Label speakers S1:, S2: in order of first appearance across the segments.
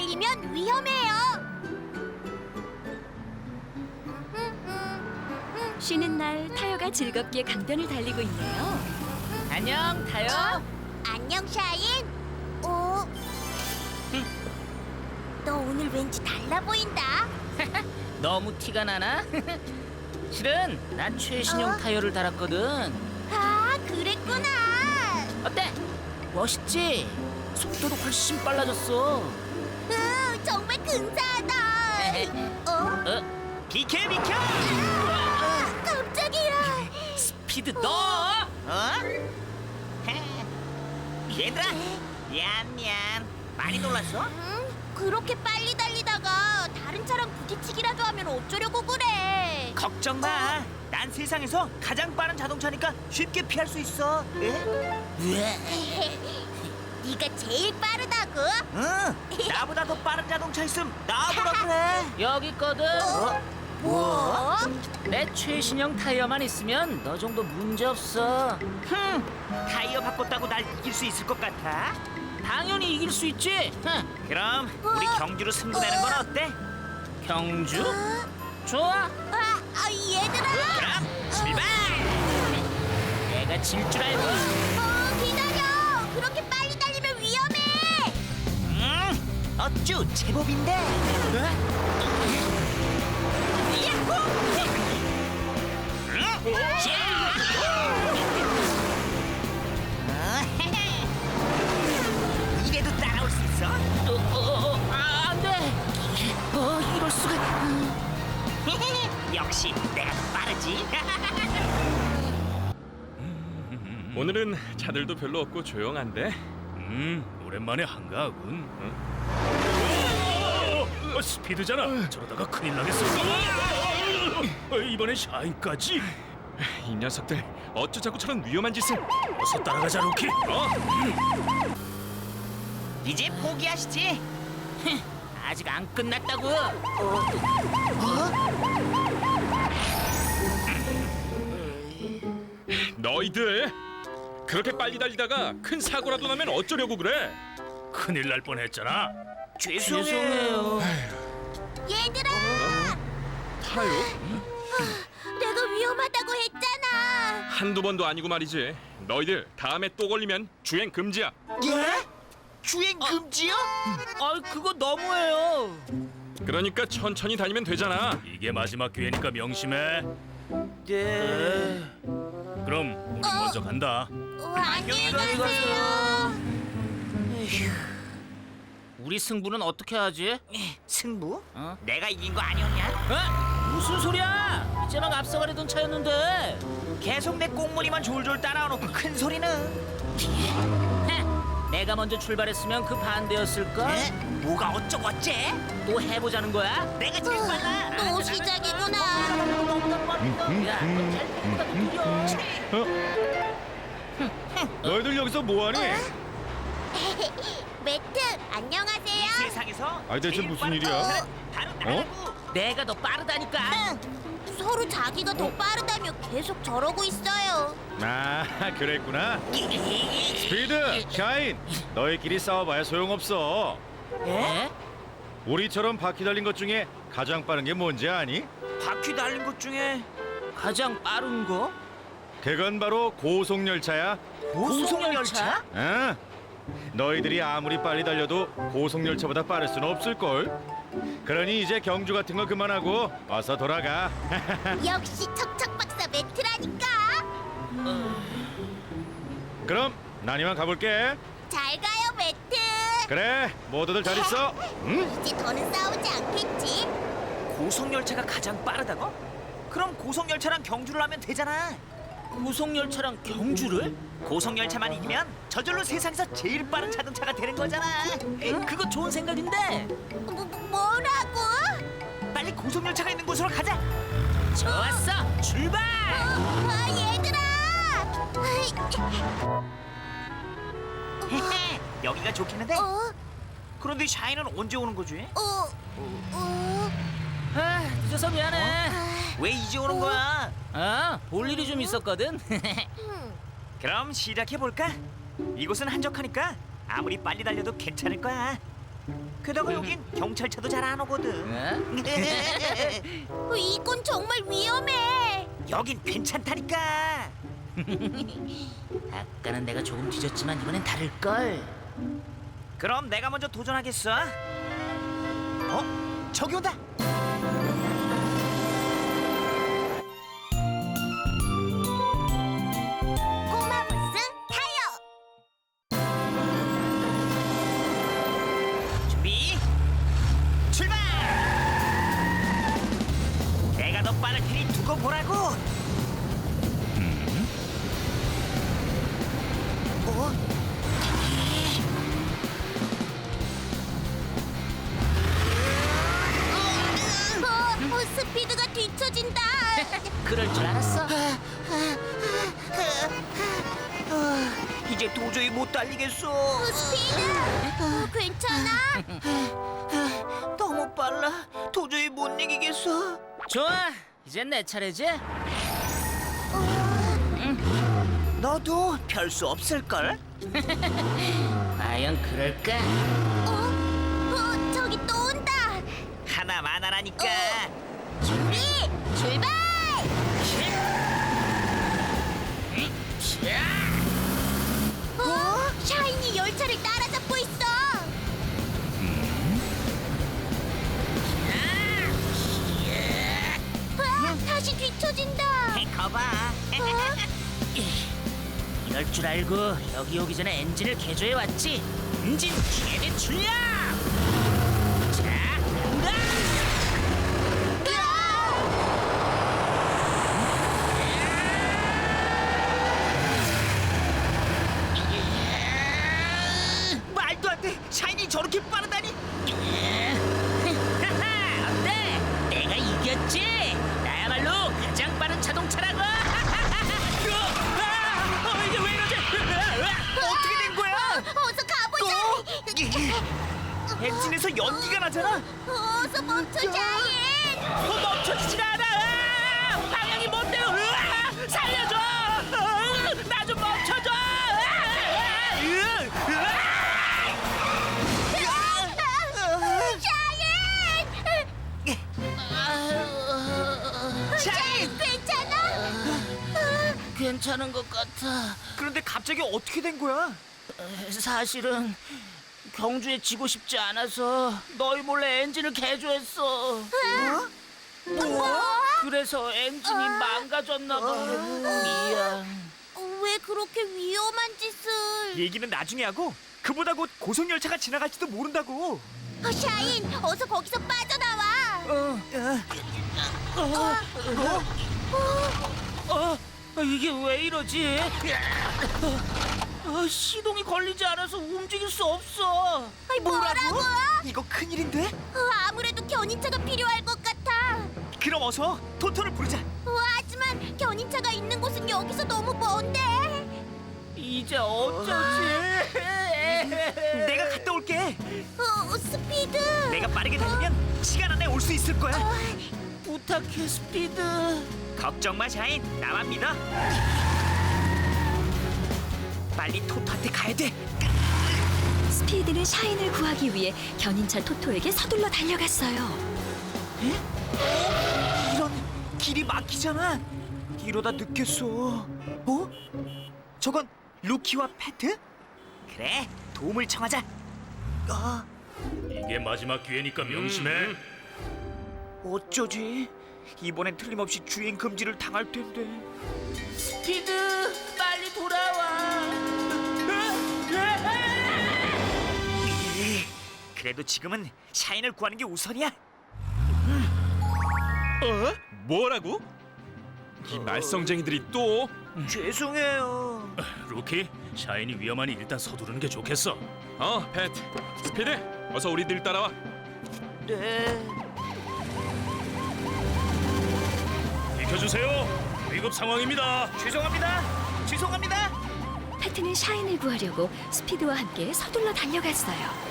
S1: 달리면 위험해요.
S2: 쉬는 날 타요가 즐겁게 강변을 달리고 있네요.
S3: 안녕, 타요.
S1: 안녕, 샤인. 너 오늘 왠지 달라 보인다.
S3: 너무 티가 나나? 실은 난 최신형 타이어를 달았거든.
S1: 아, 그랬구나.
S3: 어때? 멋있지? 속도도 훨씬 빨라졌어.
S1: 정말 근사하다.
S3: 비켜!
S1: 깜짝이야.
S3: 스피드 너! 얘들아, 미안. 많이 놀랐어?
S1: 그렇게 빨리 달리다가 다른 차랑 부딪히기라도 하면 어쩌려고 그래.
S4: 걱정 마. 난 세상에서 가장 빠른 자동차니까 쉽게 피할 수 있어.
S1: 네가 제일 빠르다고?
S4: 응. 나보다 더 빠른 자동차 있음 나보라 그래.
S3: 여기 있거든.
S1: 뭐?
S3: 내 최신형 타이어만 있으면 너 정도 문제 없어.
S4: 타이어 바꿨다고 날 이길 수 있을 것 같아?
S3: 당연히 이길 수 있지.
S4: 그럼 우리 경주로 승부내는 건 어때?
S3: 경주? 좋아.
S1: 얘들아.
S4: 그럼 출발!
S3: 내가 질 줄 알고.
S1: 기다려. 그렇게 빨리 달리면 위험해.
S4: 어쭈 제법인데. 이래도 따라올 수 있어?
S3: 안 돼. 이럴 수가.
S4: 역시 내가 더 빠르지.
S5: 오늘은 차들도 별로 없고 조용한데.
S6: 오랜만에 한가하군. 스피드잖아. 저러다가 큰일 나겠어. 이번엔 샤인까지.
S5: 이 녀석들 어쩌 자꾸 저런 위험한 짓을.
S6: 어서 따라가자, 로키.
S4: 이제 포기하시지.
S3: 아직 안 끝났다고.
S5: 너희들 그렇게 빨리 달리다가 큰 사고라도 나면 어쩌려고 그래?
S6: 큰일 날 뻔했잖아.
S3: 죄송해요.
S1: 얘들아.
S5: 타요?
S1: 내가 위험하다고 했잖아.
S5: 한두 번도 아니고 말이지. 너희들 다음에 또 걸리면 주행 금지야.
S4: 예? 주행 금지요?
S3: 그거 너무해요.
S5: 그러니까 천천히 다니면 되잖아.
S6: 이게 마지막 기회니까 명심해.
S4: 네.
S6: 그럼 우리 먼저 간다.
S1: 안녕히 가세요.
S3: 우리 승부는 어떻게 하지?
S4: 승부?
S3: 어?
S4: 내가 이긴 거 아니었냐?
S3: 무슨 소리야? 이제 막 앞서가려던 차였는데.
S4: 계속 내 꽁무니만 졸졸 따라와놓고 큰 소리는.
S3: 내가 먼저 출발했으면 그 반대였을까?
S4: 에? 뭐가 어쩌고 어째?
S3: 또 해보자는 거야?
S4: 내가 제일 빨라.
S1: 또 시작이구나.
S3: 야, 너잘 보다 느려.
S7: 너희들 여기서 뭐하니?
S1: 매트, 안녕하세요.
S4: 세상에서
S7: 아니, 대체
S4: 제일
S7: 무슨
S4: 빠른
S7: 일이야?
S4: 자동차는 바로 나라고.
S3: 내가 더 빠르다니까.
S1: 서로 자기가 더 빠르다며 계속 저러고 있어요.
S7: 아, 그랬구나. 스피드, 샤인, 너희끼리 싸워봐야 소용없어.
S3: 에?
S7: 우리처럼 바퀴 달린 것 중에 가장 빠른 게 뭔지 아니?
S4: 바퀴 달린 것 중에
S3: 가장 빠른 거?
S7: 그건 바로 고속열차야.
S4: 고속열차?
S7: 응. 너희들이 아무리 빨리 달려도 고속열차보다 빠를 수는 없을걸. 그러니 이제 경주 같은 거 그만하고 어서 돌아가.
S1: 역시 척척 박사 매트라니까.
S7: 그럼 난 이만 가볼게.
S1: 잘 가요, 매트.
S7: 그래, 모두들 잘 있어. 응?
S1: 이제 더는 싸우지 않겠지?
S4: 고속열차가 가장 빠르다고? 그럼 고속열차랑 경주를 하면 되잖아.
S3: 고속열차랑 경주를?
S4: 고속열차만 이기면 저절로 세상에서 제일 빠른 자동차가 되는 거잖아.
S3: 그거 좋은 생각인데.
S1: 뭐라고?
S4: 빨리 고속열차가 있는 곳으로 가자.
S3: 좋았어, 출발!
S1: 얘들아!
S4: 여기가 좋겠는데?
S1: 어?
S4: 그런데 샤이는 언제 오는 거지?
S3: 늦어서 미안해.
S4: 왜 이제 오는 거야?
S3: 볼 일이 좀 있었거든.
S4: 그럼 시작해 볼까? 이곳은 한적하니까 아무리 빨리 달려도 괜찮을 거야. 게다가 여긴 경찰차도 잘 안 오거든.
S3: 어?
S1: 이건 정말 위험해.
S4: 여긴 괜찮다니까.
S3: 아까는 내가 조금 뒤졌지만 이번엔 다를 걸.
S4: 그럼 내가 먼저 도전하겠어. 저기 온다.
S1: 꼬마 부스 타요.
S4: 준비, 출발! 내가 더 빠를 테니 두고 보라고.
S1: 스피드가 뒤처진다.
S3: 그럴 줄 알았어.
S4: 이제 도저히 못 달리겠어.
S1: 스피드, 괜찮아?
S4: 너무 빨라. 도저히 못 이기겠어.
S3: 좋아, 이젠 내 차례지?
S4: 너도 별 수 없을걸?
S3: 과연 그럴까?
S1: 저기 또 온다.
S4: 하나만 하라니까.
S1: 준비, 출발! 샤이니 열차를 따라잡고 있어. 다시 뒤처진다.
S4: 거봐.
S3: 이럴 줄 알고 여기 오기 전에 엔진을 개조해 왔지. 엔진 최대 출력! 자, 간다!
S4: 말도 안 돼. 샤이니 저렇게 빠르다니.
S3: 하하, 어때? 내가 이겼지? 나야말로 가장 빠른 자동차라고! 이게 왜 이러지?
S4: 어떻게 된 거야?
S1: 어서 가보자.
S4: 엔진에서 연기가 나잖아.
S1: 어서 멈춰, 샤인.
S3: 멈춰지질 않아! 방향이 뭔데요? 살려줘! 나 좀 멈춰줘!
S1: 샤인, 괜찮아?
S3: 괜찮은 것 같아.
S4: 그런데 갑자기 어떻게 된 거야?
S3: 사실은 경주에 지고 싶지 않아서 너희 몰래 엔진을 개조했어.
S1: 뭐?
S3: 그래서 엔진이 망가졌나 봐. 미안.
S1: 왜 그렇게 위험한 짓을?
S4: 얘기는 나중에 하고 그보다 곧 고속열차가 지나갈지도 모른다고.
S1: 샤인, 어서 거기서 빠져나와.
S3: 이게 왜 이러지? 시동이 걸리지 않아서 움직일 수 없어.
S1: 뭐라고?
S4: 이거 큰일인데?
S1: 아무래도 견인차가 필요할 것 같아.
S4: 그럼 어서 토토를 부르자.
S1: 하지만 견인차가 있는 곳은 여기서 너무 먼데.
S3: 이제 어쩌지?
S4: 내가 갔다 올게.
S1: 스피드.
S4: 내가 빠르게 달리면 시간 안에 올 수 있을 거야.
S3: 부탁해, 스피드.
S4: 걱정 마, 샤인. 나만 믿어. 빨리 토토한테 가야 돼.
S2: 스피드는 샤인을 구하기 위해 견인차 토토에게 서둘러 달려갔어요.
S4: 이런, 길이 막히잖아. 이러다 늦겠어. 저건 루키와 패트? 그래, 도움을 청하자.
S6: 이게 마지막 기회니까 명심해.
S4: 어쩌지? 이번엔 틀림없이 주행 금지를 당할 텐데.
S3: 스피드, 빨리 돌아와.
S4: 그래도 지금은 샤인을 구하는 게 우선이야.
S5: 뭐라고? 이 말썽쟁이들이 또?
S4: 죄송해요.
S6: 루키, 샤인이 위험하니 일단 서두르는 게 좋겠어.
S5: 배트, 스피드, 어서 우리들 따라와.
S4: 네.
S6: 비켜주세요. 위급 상황입니다.
S4: 죄송합니다. 죄송합니다.
S2: 패트는 샤인을 구하려고 스피드와 함께 서둘러 달려갔어요.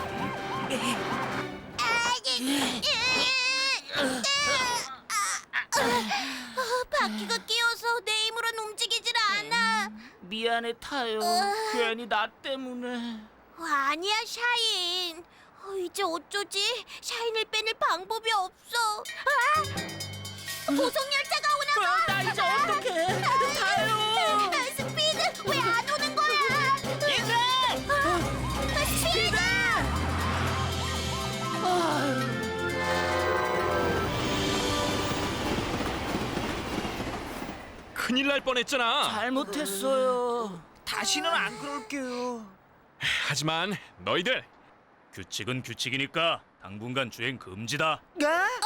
S1: 바퀴가 끼어서 내 힘으론 움직이질 않아.
S3: 미안해, 타요. 괜히 나 때문에.
S1: 아니야, 샤인. 이제 어쩌지? 샤인을 빼낼 방법이 없어. 아! 고속열차가 오나 봐.
S3: 나 이제 어떡해? 타요.
S1: 스피드 왜 안 오는 거야?
S3: 얘들아!
S1: 스피드!
S5: 큰일 날 뻔했잖아.
S3: 잘못했어요.
S4: 다시는 안 그럴게요.
S5: 하지만 너희들
S6: 규칙은 규칙이니까 당분간 주행 금지다.
S4: 네?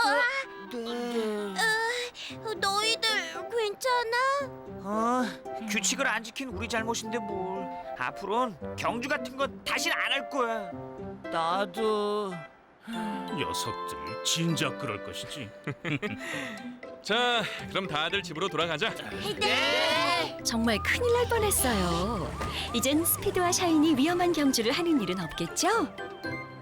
S1: 너희들 괜찮아?
S4: 규칙을 안 지킨 우리 잘못인데 뭘. 앞으로는 경주 같은 건 다시는 안 할 거야.
S3: 나도.
S6: 녀석들 진작 그럴 것이지.
S5: 자, 그럼 다들 집으로 돌아가자.
S1: 네.
S2: 정말 큰일 날 뻔했어요. 이젠 스피드와 샤인이 위험한 경주를 하는 일은 없겠죠?